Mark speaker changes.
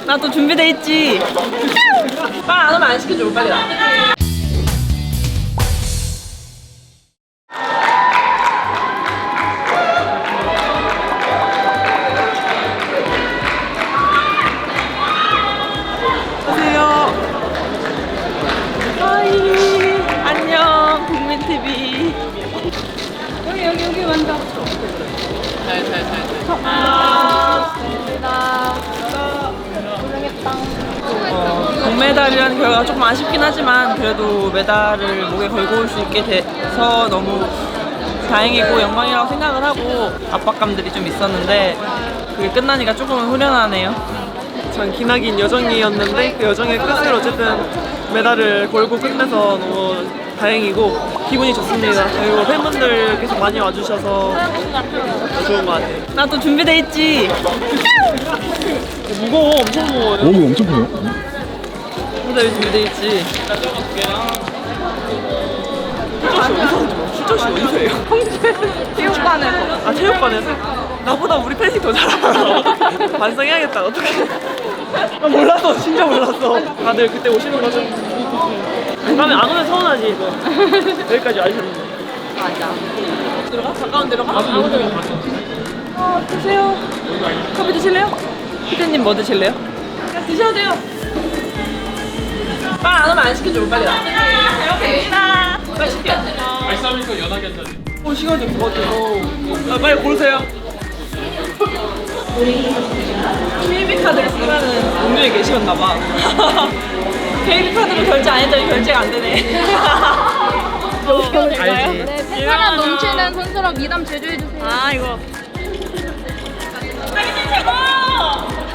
Speaker 1: 나 또 준비돼 있지. 빵 안 오면 안 시켜줘. 빨리 나. 안녕하세요. 하이. 안녕. 국민TV. 여기 완전. 동메달이라는 결과가 조금 아쉽긴 하지만 그래도 메달을 목에 걸고 올 수 있게 돼서 너무 다행이고 영광이라고 생각을 하고 압박감들이 좀 있었는데 그게 끝나니까 조금은 후련하네요.
Speaker 2: 전 기나긴 여정이었는데 그 여정의 끝을 어쨌든 메달을 걸고 끝내서 너무 다행이고 기분이 좋습니다. 그리고 팬분들 계속 많이 와주셔서 좋은 것 같아요.
Speaker 1: 나 또 준비돼 있지.
Speaker 2: 무거워, 엄청 무거워요.
Speaker 3: 몸이 엄청 커요.
Speaker 1: 메달 준비돼 있지.
Speaker 2: 출전식 어디서 해요?
Speaker 1: 체육관에서.
Speaker 2: 아, 체육관에서? 나보다 우리 팬이 더 잘 알아. 반성해야겠다, 어떡해. 나 몰랐어, 진짜 몰랐어. 다들 그때 오시는 거죠? 다음에 안 오면 서운하지, 이거. 여기까지 와주셨는데.
Speaker 1: 맞아. 들어가? 가까운 데로 가? 아무 데로 가. 드세요. 커피 드실래요? 피디님 뭐 드실래요? 드셔도 돼요. 빵 안 오면 안 시켜줘. 빨리 나. 배고프다. 빨리 시켜.
Speaker 4: 아이스 아메리카노 연하게 한 잔.
Speaker 2: 시간 좀 부었죠. 아, 빨리 고르세요.
Speaker 1: KB 카드를 쓰면은 동료에 계시었나봐. KB 카드로 결제 안 했더니 결제가 안 되네.
Speaker 2: 알지.
Speaker 5: 네, 팬사랑 넘치는 손수랑 미담 제조해주세요.
Speaker 1: 아 이거. 자기님 최고.